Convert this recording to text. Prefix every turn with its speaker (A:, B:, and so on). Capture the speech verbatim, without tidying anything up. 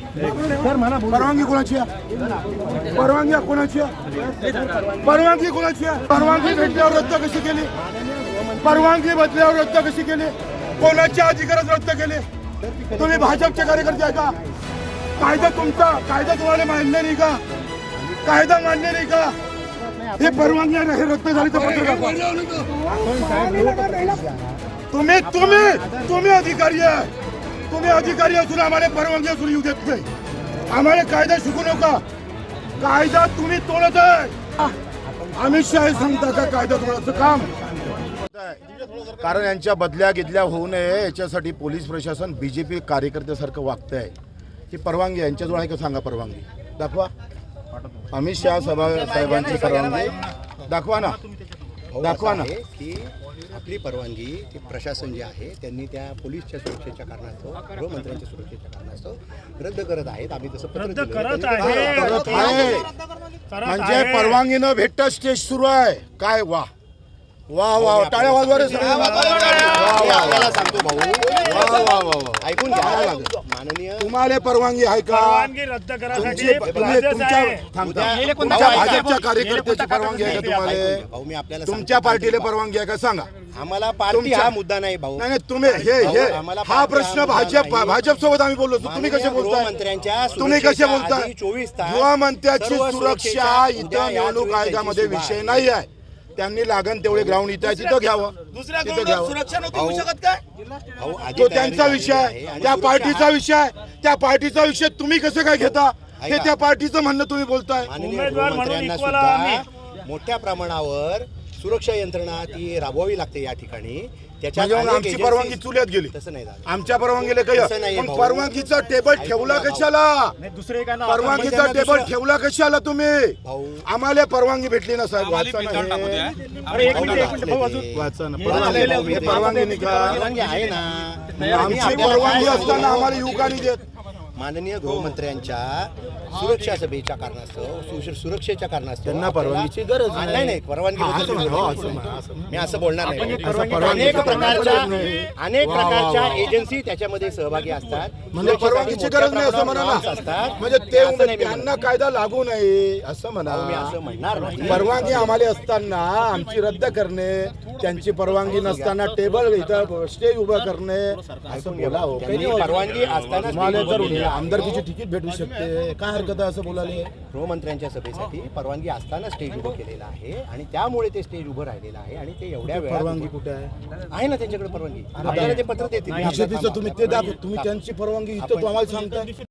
A: परवानगी कोणाची आहे? परवानगी कोणाची आहे? परवानगी कोणाची आहे? परवानगी भेटल्यावर रद्द कशी केली? परवानगी बदल्यावर रद्द कशी केली? कोणाच्या अधिकारात रद्द केले? तुम्ही भाजपचे कार्यकर्ते आहे का? कायदा तुमचा, कायदा तुम्हाला मान्य नाही का? कायदा मान्य नाही का? हे परवानगी हे रद्द झाली तर पत्र दाखवा. तुम्ही तुम्ही तुम्ही अधिकारी आहे. तुम्ही अधिकारी असून आम्हाला परवानगी असून येऊ देत नाही. आम्हाला कायदा शिकू नका. कायदा तुम्ही तोडत आहे. अमित शहा सांगता का कायदा तोडायचं काम?
B: कारण यांच्या बदल्या गिदल्या होऊ नये याच्यासाठी पोलीस प्रशासन बीजेपी कार्यकर्त्यासारखं वागत आहे. ही परवानगी यांच्याजवळ आहे का सांगा? परवानगी दाखवा. अमित शहा सभा साहेबांची परवानगी दाखवा ना, दाखवा ना.
C: की आपली परवानगी ती प्रशासन जे आहे त्यांनी त्या पोलीसच्या सुरक्षेच्या कारणास्तव, गृहमंत्र्यांच्या सुरक्षेच्या कारणास्तव रद्द करत आहेत. आम्ही तसं पत्र दिलं.
B: करत आहे. म्हणजे परवानगी न भेटता स्टेज सुरू आहे. काय वा वा वा टाळ्या वाजवा रे सगळे.
C: आपल्याला सांगतो भाऊ,
B: वा वा वा वा
C: ऐकून घ्या. माननीय
B: तुम्हाला परवानगी आहे का?
D: परवानगी रद्द करायसाठी
B: तुमची- तुम्ही तुमच्या थांबता. तुमच्या भाजपच्या कार्यकर्त्याची परवानगी आहे का
C: भाऊ
B: तुम्हाला?
C: मी आपल्याला
B: तुमच्या पार्टीला परवानगी आहे का सांगा?
C: आम्हाला पार्टी
B: तुमच्या-
C: हा मुद्दा नाही भाऊ.
B: नाही नाही तुम्ही हे
C: भाऊ,
B: हे
C: आम्हाला
B: हा
C: पार्टी
B: प्रश्न
C: हा मुद्दा
B: भाजप
C: नाही.
B: भाजप सोबत आम्ही बोललो. तुम्ही कसे
C: माननीय
B: बोलताय?
C: गृहमंत्र्यांच्या
B: तुम्ही कसे
C: सुरक्षेच्या
B: बोलताय?
C: आधी चोवीस तास
B: गृहमंत्र्याची
C: सर्व
B: सुरक्षा
C: सुरक्षेच्या
B: इथं
C: उद्या या
B: निवडणूक
C: चोवीस
B: आयोगामध्ये
C: तारखेची
B: विषय
C: सुरुवात.
B: नाही आहे. त्यांनी लागण तेवढे ग्राउंड इथं आहे तिथं घ्यावं.
D: दुसऱ्या
B: तिथं
D: ग्राउंडवर
B: घ्यावं.
D: सुरक्षा नव्हती होऊ शकत काय?
C: भाऊ, आधी
B: तो
C: तयारी
B: त्यांचा
C: झालेली
B: विषय
C: आहे
B: आहे.
C: आणि
B: त्या
C: सुरक्षा
B: पार्टीचा
C: आहे.
B: विषय आहे. त्या पार्टीचा विषय तुम्ही कसं काय घेता? हे
C: ऐका.
B: त्या पार्टीचं म्हणणं तुम्ही बोलताय.
C: माननीय
D: उमेदवार म्हणून
C: गृहमंत्र्यांना
D: equal
C: सुद्धा
D: आम्ही.
C: मोठ्या प्रमाणावर सुरक्षा यंत्रणा ती राबवावी लागते या ठिकाणी. त्याच्यात
B: म्हणजे मग
C: अनेक
B: आमची
C: agencies-
B: परवानगी चुल्यात गेली.
C: तसं नाही झालं.
B: आमच्या परवानगीला
C: तसं
B: काही
C: नाहीये
B: मग
C: भाऊ.
B: परवानगीचा टेबल ठेवला कशाला?
D: दुसरे काय
B: परवानगीचा टेबल ठेवला कशाला तुम्ही?
C: भाऊ
B: आम्हाला परवानगी भेटली ना साहेब. वाचा ना हे.
D: अरे एक मिनिट एक मिनिट भाऊ अजून
B: वाचा ना.
C: हे
B: परवानगी
C: भाऊ, हे
B: परवानगी नाही का?
C: परवानगी आहे ना. आम्ही
B: आमची
C: आपल्याला
B: परवानगी
C: काय
B: असताना
C: सांगतो?
B: आम्हाला येऊ का नाही देत?
C: माननीय गृहमंत्र्यांच्या सुरक्षा सभेच्या कारणास्तव सुश- सुरक्षेच्या कारणास्तव
B: त्यांना
C: आपल्याला-
B: परवानगीची गरज
C: हा,
B: नाही.
C: नाही नाही परवानगी
B: हा,
C: बद्दल
B: असं
C: मी
B: म्हणा,
C: बोलतो.
B: असं म्हणा, असं म्हणा.
C: मी असं बोलणार नाही.
B: परवानगी-
C: अनेक प्रकारच्या
B: नाही.
C: अनेक
B: वा, वा,
C: प्रकारच्या
B: वा.
C: एजन्सी त्याच्यामध्ये सहभागी असतात.
B: म्हणजे परवानगीची गरज नाही असं म्हणा
C: norms
B: ना.
C: असतात.
B: म्हणजे ते
C: असं नाही मी
B: त्यांना
C: म्हणत.
B: कायदा लागू नये असं म्हणा.
C: भाऊ, मी असं म्हणणार नाही.
B: परवानगी आम्हाला असताना आमची रद्द करणे, त्यांची परवानगी नसताना टेबल इथं स्टेज उभं करणे असं बोला हो.
C: त्यांनी परवानगी असताना
B: तुम्हाला जर आमदारकीची तिकीट भेटू शकते काय हरकत आहे असं बोलायला?
C: गृहमंत्र्यांच्या सभेसाठी परवानगी असताना स्टेज उभं केलेलं आहे आणि त्यामुळे ते स्टेज उभं राहिलेलं आहे आणि ते एवढ्या वेळात
B: परवानगी कुठे आहे?
C: आहे ना त्यांच्याकडे परवानगी. आपल्याला ते पत्र देतील.
B: बीजेपीचं तुम्ही ते दाखव. तुम्ही त्यांची परवानगी इथं तुम्हाला सांगताय.